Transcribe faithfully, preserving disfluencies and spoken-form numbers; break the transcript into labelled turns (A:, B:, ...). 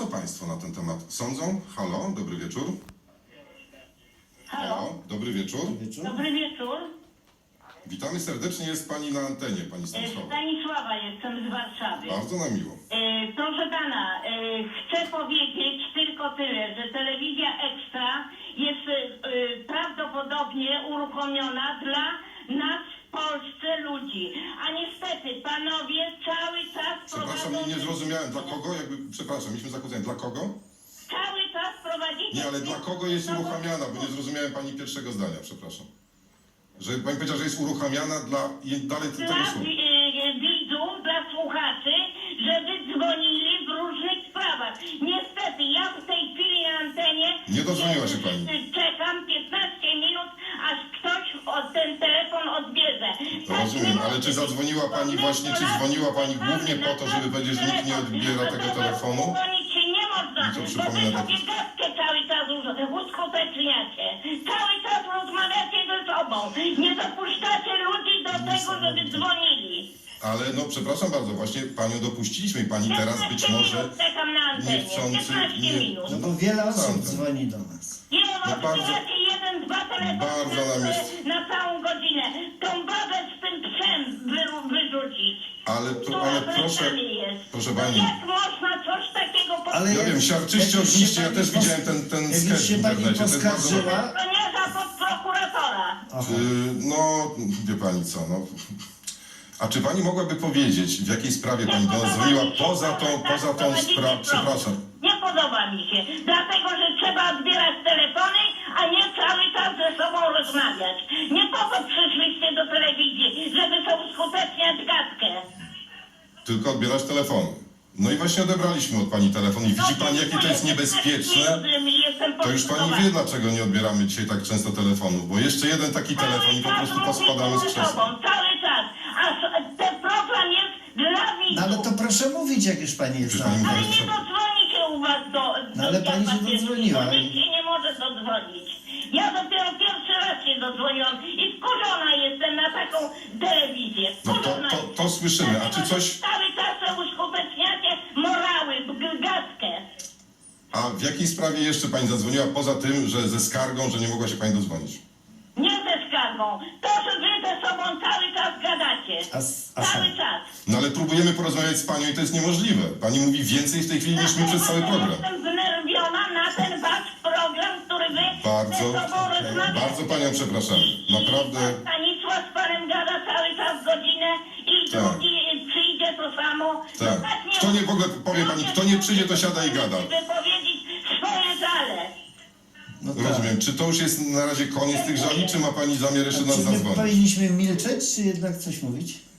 A: Co Państwo na ten temat sądzą? Halo, dobry wieczór.
B: Halo,
A: dobry wieczór.
B: dobry wieczór.
A: Witamy serdecznie, jest Pani na antenie, Pani
B: E,
A: Stanisława.
B: Stanisława jestem z Warszawy.
A: Bardzo nam miło.
B: E, proszę pana, e, chcę powiedzieć tylko tyle, że telewizja Ekstra jest e, prawdopodobnie uruchomiona dla nas w Polsce ludzi. A niestety panowie cały czas
A: Przepraszam, nie, nie zrozumiałem. Dla kogo? Jakby, przepraszam, mieliśmy zakłócenie. Dla kogo?
B: Cały czas prowadzicie...
A: Nie, ale dla kogo jest uruchamiana? Bo nie zrozumiałem Pani pierwszego zdania, przepraszam. Że Pani powiedziała, że jest uruchamiana dla... i dalej
B: Dla
A: tego słowa.
B: e, widzów, dla słuchaczy, żeby dzwonili w różnych sprawach. Niestety, ja w tej chwili na antenie...
A: Nie dodzwoniła się pani.
B: Czekam piętnaście minut, aż ktoś od ten telefon odbierze. Tak
A: Rozumiem,
B: nie
A: ale
B: może
A: czy
B: być.
A: zadzwoniła Pani właśnie, czy dzwoniła Pani głównie po to, żeby powiedzieć, że nikt nie odbiera tego telefonu?
B: Dzwonić się nie można,
A: I co
B: bo wy
A: przypomina
B: sobie
A: taki-
B: gadkę cały czas us- uskuteczniacie. Cały czas rozmawiacie ze sobą. Nie dopuszczacie ludzi do tego, żeby dzwonili.
A: Ale no, przepraszam bardzo, właśnie Panią dopuściliśmy i Pani teraz być
B: piętnaście
A: może
B: minut czekam na antenie.
A: niechcący...
B: piętnaście
A: Nie,
B: minut.
C: No bo wiele osób
A: Sądzę.
C: dzwoni do nas.
B: Nie no,
A: No bardzo-
B: odbieracie jeden, dwa telefony
A: bardzo nam
B: na,
A: jest-
B: na całą godzinę. Tą babę z tym psem wyru, wyrzucić.
A: Ale, to,
B: Która
A: ale
B: przed
A: proszę,
B: nami jest.
A: proszę
B: No
A: Pani,
B: jak można coś takiego
C: Ale
A: ja
C: jak-
A: wiem, siarczyście
C: jak już
A: ogniście,
C: się
A: ja
C: pani
A: też
C: pos-
A: widziałem ten, ten
C: jak już
A: sketch w
C: się pani
A: internecie, to jest bardzo...
C: poskarżyła-
B: To nie za podprokuratora.
C: Aha.
A: Yy, no, wie Pani co, no... A czy Pani mogłaby powiedzieć, w jakiej sprawie Pani do nas dzwoniła poza tą, poza tą sprawą, przepraszam,
B: Nie podoba mi się, dlatego że trzeba odbierać telefony, a nie cały czas ze sobą rozmawiać. Nie po to przyszliście do telewizji, żeby sobie uskuteczniać gadkę.
A: tylko odbierać telefony. No i właśnie odebraliśmy od Pani telefon i widzi Pani, jakie to jest niebezpieczne. To już Pani wie, dlaczego nie odbieramy dzisiaj tak często telefonów, bo jeszcze jeden taki telefon i po prostu pospadamy z krzesła.
B: Cały czas, a s- ten program jest dla
C: No ale
B: widzów.
C: to proszę mówić, jak już pani jest
A: Przecież pani
C: tam.
B: Ale
A: mówi-
B: nie dodzwoni się u was do...
C: No
B: do
C: ale pani się
B: Jacka
C: dodzwoniła.
B: Pieckiego. Nikt się nie może dodzwonić. Ja dopiero pierwszy raz się dodzwoniłam i wkurzona jestem na taką telewizję.
A: No to,
B: Wkurzona
A: to,
B: jestem.
A: to słyszymy, a czy
B: Dlatego,
A: coś...
B: że cały czas uskuteczniacie morały, g- gadkę.
A: A w jakiej sprawie jeszcze Pani zadzwoniła, poza tym, że ze skargą, że nie mogła się Pani dodzwonić?
B: Nie ze skargą. To, że wy ze sobą cały czas gadacie.
C: A s- a
B: Cały
C: sam-
B: czas.
A: No ale próbujemy porozmawiać z Panią i to jest niemożliwe. Pani mówi więcej w tej chwili niż my przez cały program.
B: Jestem znerwiona na ten wasz program, który wy
A: Bardzo,
B: ze sobą rozmawiacie.
A: bardzo Panią przepraszam. Naprawdę,
B: I Stanisław z panem gada cały czas godzinę i
A: Tak.
B: drugi przyjdzie to samo. No
A: tak. Kto nie, w ogóle powie Pani, kto nie przyjdzie, to siada i gada.
B: Wypowiedzieć swoje żale.
C: No tak.
A: Rozumiem. Czy to już jest na razie koniec tych żali, czy ma Pani zamiar jeszcze do
C: A
A: nas
C: czy my
A: zadzwonić?
C: powinniśmy milczeć, czy jednak coś mówić?